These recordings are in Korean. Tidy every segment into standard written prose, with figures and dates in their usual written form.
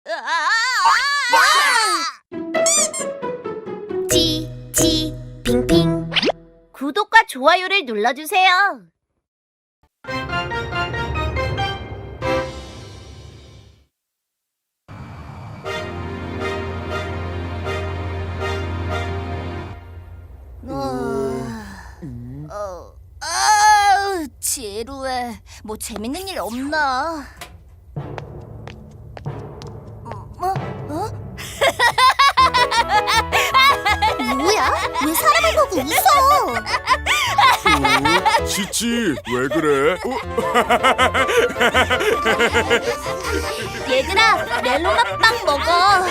핑핑 구독과 좋아요를 눌러주세요. 지루해. 뭐 재밌는 일 없나? 뭐야? 왜 사람을 보고 웃어? 치치, 왜 그래? 얘들아, 멜로맛 빵 먹어.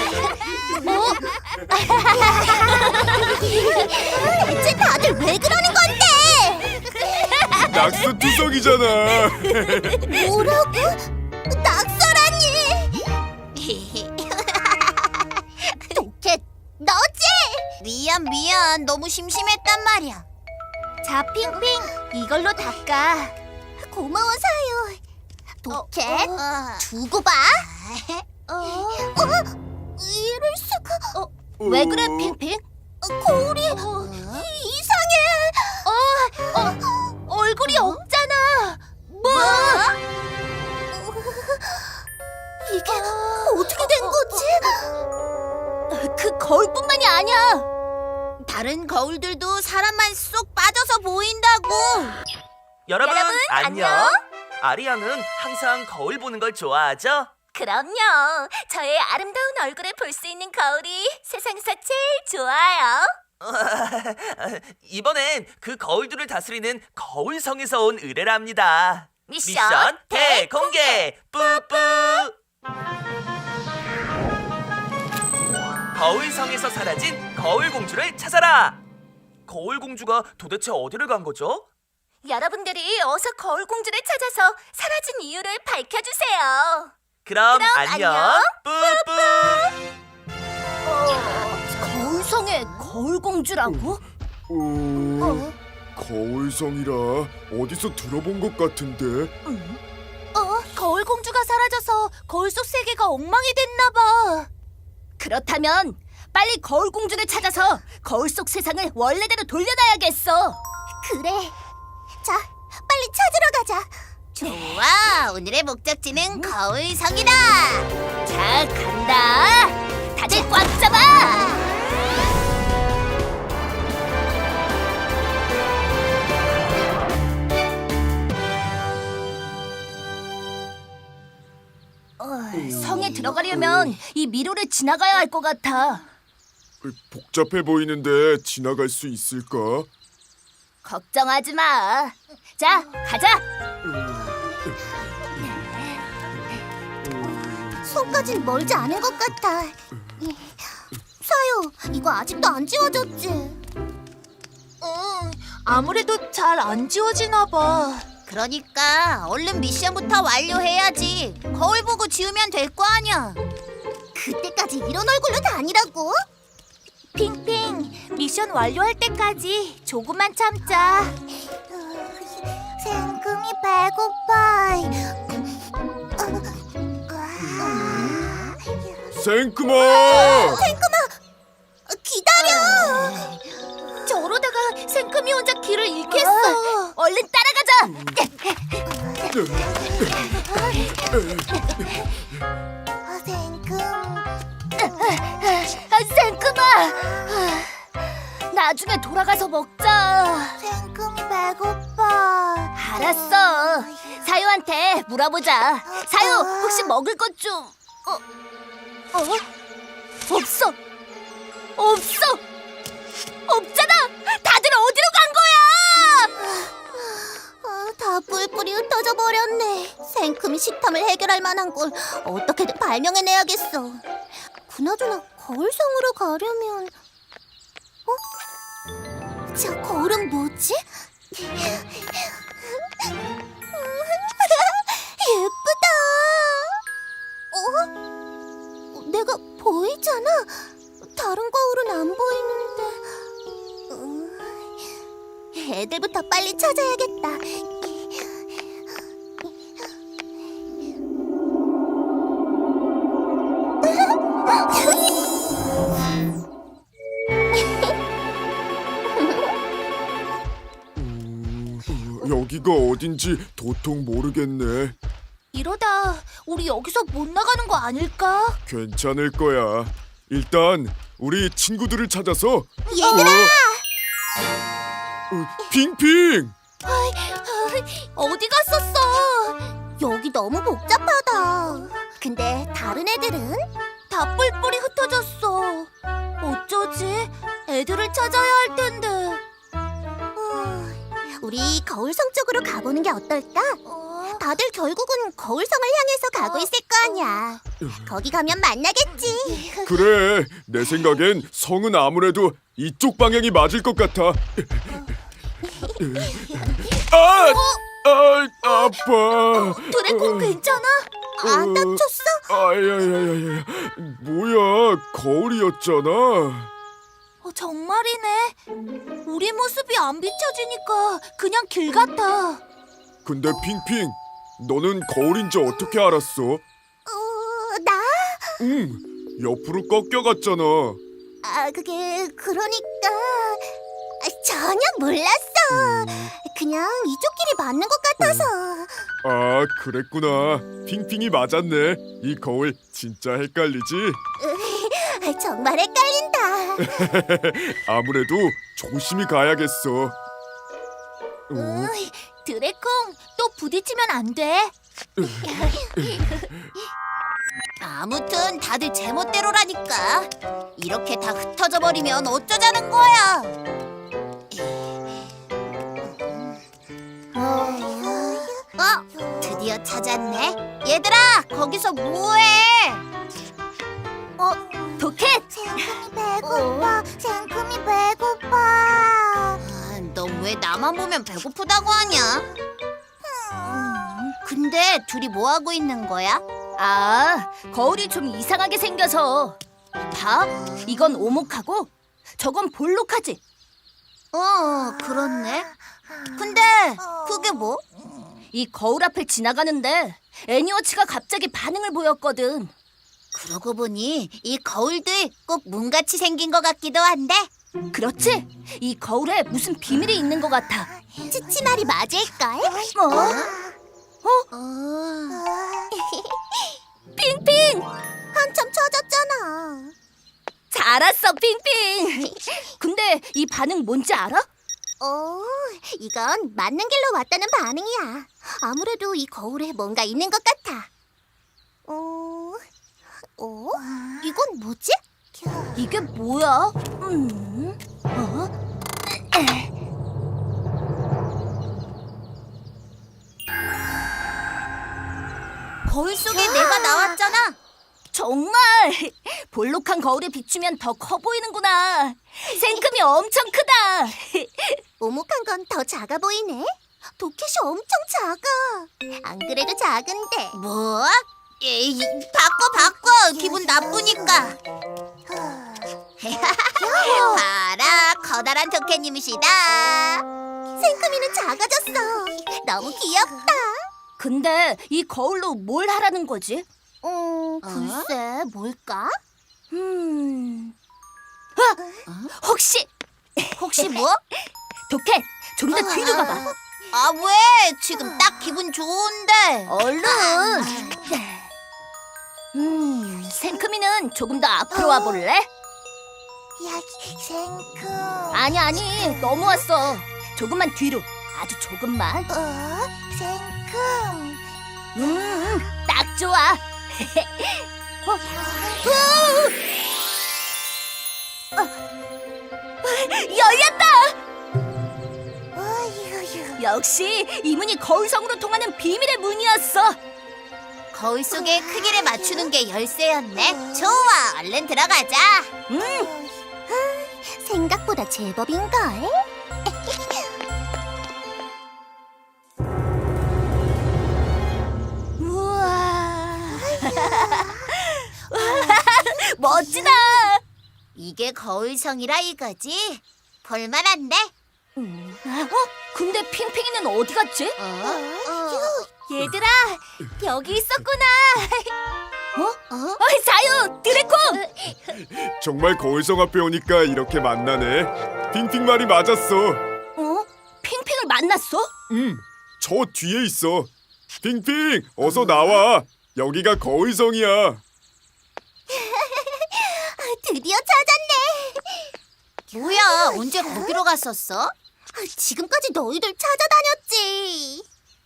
대체 다들 왜 그러는 건데? 낙서투성이잖아. 뭐라고? 낙서라니? 도켓, 너지? 미안. 너무 심심했단 말이야. 자, 핑핑, 이걸로 닦아. 고마워, 사요. 도켓, 두고 봐. 이럴 수가. 왜 그래, 핑핑? 거울이 이상해. 얼굴이 없잖아. 뭐? 이게 어떻게 된 거지? 그 거울뿐만이 아니야. 다른 거울들도 사람만 쏙 빠져서 보인다고. 여러분, 안녕. 아리양은 항상 거울 보는 걸 좋아하죠? 그럼요. 저의 아름다운 얼굴을 볼 수 있는 거울이 세상에서 제일 좋아요. 이번엔 그 거울들을 다스리는 거울성에서 온 의뢰랍니다. 미션 대공개! 뿌뿌! 거울성에서 사라진 거울공주를 찾아라! 거울공주가 도대체 어디를 간 거죠? 여러분들이 어서 거울공주를 찾아서 사라진 이유를 밝혀주세요. 그럼 안녕. 안녕! 뿌뿌! 거울성의 거울공주라고? 거울성이라 어디서 들어본 것 같은데. 거울공주가 사라져서 거울 속 세계가 엉망이 됐나 봐. 그렇다면 빨리 거울공주를 찾아서 거울 속 세상을 원래대로 돌려놔야겠어. 그래. 자, 빨리 찾으러 가자. 좋아. 오늘의 목적지는 거울성이다. 자, 간다. 다들 꽉 잡아. 성에 들어가려면 이 미로를 지나가야 할 것 같아. 복잡해 보이는데 지나갈 수 있을까? 걱정하지 마. 자, 가자. 손까진 멀지 않은 것 같아. 사요, 이거 아직도 안 지워졌지? 아무래도 잘 안 지워지나 봐. 그러니까 얼른 미션부터 완료해야지. 거울 보고 지우면 될 거 아니야. 그때까지 이런 얼굴로 다니라고? 핑핑, 미션 완료할 때까지 조금만 참자. 생금이 배고파. 생크마! 생금아, 기다려. 저러다가 생금이 혼자 길을 잃겠어. 얼른 따라가자. 생금. 생금아, 나중에 돌아가서 먹자. 생금이 배고파. 알았어. 사유한테 물어보자. 사유, 혹시 먹을 것 좀... 없어. 없잖아. 다들 어디로 간 거야? 다 뿔뿔이 흩어져 버렸네. 생금이 식탐을 해결할 만한 걸 어떻게든 발명해내야겠어. 그나저나 거울성으로 가려면... 저 거울은 뭐지? 예쁘다. 내가 보이잖아. 다른 거울은 안 보이는데. 애들부터 빨리 찾아야겠다. 여기가 어딘지 도통 모르겠네. 이러다 우리 여기서 못 나가는 거 아닐까? 괜찮을 거야. 일단 우리 친구들을 찾아서 얘들아! 핑핑! 어디 갔었어? 여기 너무 복잡하다. 근데 다른 애들은? 다 뿔뿔이 흩어졌어. 어쩌지? 애들을 찾아야 할 텐데. 우리 거울성 쪽으로 가보는 게 어떨까? 다들 결국은 거울성을 향해서 가고 있을 거 아니야. 거기 가면 만나겠지. 그래, 내 생각엔 성은 아무래도 이쪽 방향이 맞을 것 같아. 아파. 드래곤 괜찮아? 안 다쳤어? 아야야야야, 뭐야, 거울이었잖아. 정말이네. 우리 모습이 안 비춰지니까 그냥 길 같아. 근데 핑핑, 너는 거울인지 어떻게 알았어? 나? 옆으로 꺾여갔잖아. 그게 그러니까 전혀 몰랐어. 그냥 이쪽 길이 맞는 것 같아서. 아, 그랬구나. 핑핑이 맞았네. 이 거울 진짜 헷갈리지? 정말 헷갈린다. 아무래도 조심히 가야겠어. 드래콩, 또 부딪히면 안 돼. 아무튼 다들 제멋대로라니까. 이렇게 다 흩어져 버리면 어쩌자는 거야. 드디어 찾았네. 얘들아, 거기서 뭐해? 도켓! 생금이 배고파. 생금이 배고파. 너 왜 나만 보면 배고프다고 하냐? 근데 둘이 뭐 하고 있는 거야? 아, 거울이 좀 이상하게 생겨서. 봐, 이건 오목하고 저건 볼록하지. 그렇네. 근데 그게 뭐? 이 거울 앞을 지나가는데 애니워치가 갑자기 반응을 보였거든. 그러고 보니 이 거울들 꼭 문같이 생긴 것 같기도 한데. 그렇지? 이 거울에 무슨 비밀이 있는 것 같아. 치치 말이 맞을걸? 핑핑! 한참 찾았잖아. 잘 왔어, 핑핑! 근데 이 반응 뭔지 알아? 이건 맞는 길로 왔다는 반응이야. 아무래도 이 거울에 뭔가 있는 것 같아. 이건 뭐지? 이게 뭐야? 거울 속에 내가 나왔잖아. 정말! 볼록한 거울에 비추면 더 커 보이는구나. 생금이 엄청 크다. 오목한 건 더 작아 보이네. 도켓이 엄청 작아. 안 그래도 작은데. 뭐? 에이, 바꿔. 기분 나쁘니까. 봐라, 커다란 도켓님이시다. 생금이는 작아졌어. 너무 귀엽다. 근데 이 거울로 뭘 하라는 거지? 글쎄, 뭘까? 혹시 뭐? 도켓, 좀 더 뒤로 가봐. 왜? 지금 딱 기분 좋은데. 얼른. 생크미는 조금 더 앞으로 와볼래? 야, 생금. 아니, 너무 왔어. 조금만 뒤로, 아주 조금만. 생금. 딱 좋아. 열렸다. 역시 이 문이 거울성으로 통하는 비밀의 문이었어. 거울 속의 크기를 맞추는 게 열쇠였네. 좋아, 얼른 들어가자. 생각보다 제법인걸. 우와. 멋지다. 이게 거울성이라 이거지? 볼만한데? 근데 핑핑이는 어디 갔지? 얘들아, 여기 있었구나. 자유, 드래콘. 정말 거울성 앞에 오니까 이렇게 만나네. 핑핑 말이 맞았어. 핑핑을 만났어? 저 뒤에 있어. 핑핑, 어서 나와. 여기가 거울성이야. 드디어 찾았네. 뭐야, 언제 거기로 갔었어? 지금까지 너희들 찾아다녔지.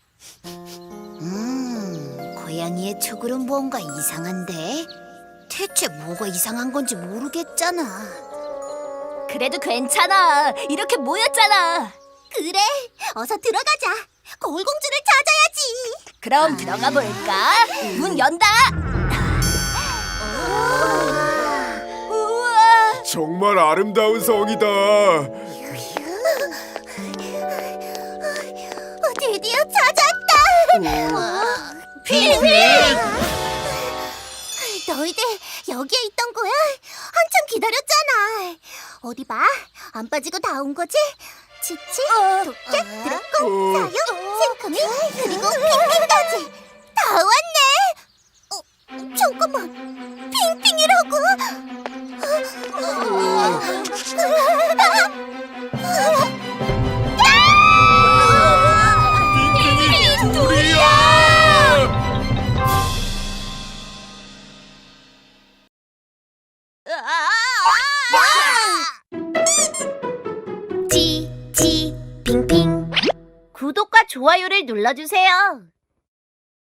고양이의 촉으로 뭔가 이상한데? 대체 뭐가 이상한 건지 모르겠잖아. 그래도 괜찮아. 이렇게 모였잖아. 그래, 어서 들어가자. 거울공주를 찾아야지. 그럼 들어가 볼까? 문 연다. 우와. 정말 아름다운 성이다. 드디어 찾았다. 핑핑! 너희들 여기에 있던 거야? 한참 기다렸잖아. 어디 봐, 안 빠지고 다 온 거지? 치치, 도깨, 드래곤, 사육, 생크미, 그리고 핑핑까지 다 왔네. 잠깐만, 핑핑이라고? 핑핑이 둘이야. 핑핑. 구독과 좋아요를 눌러주세요.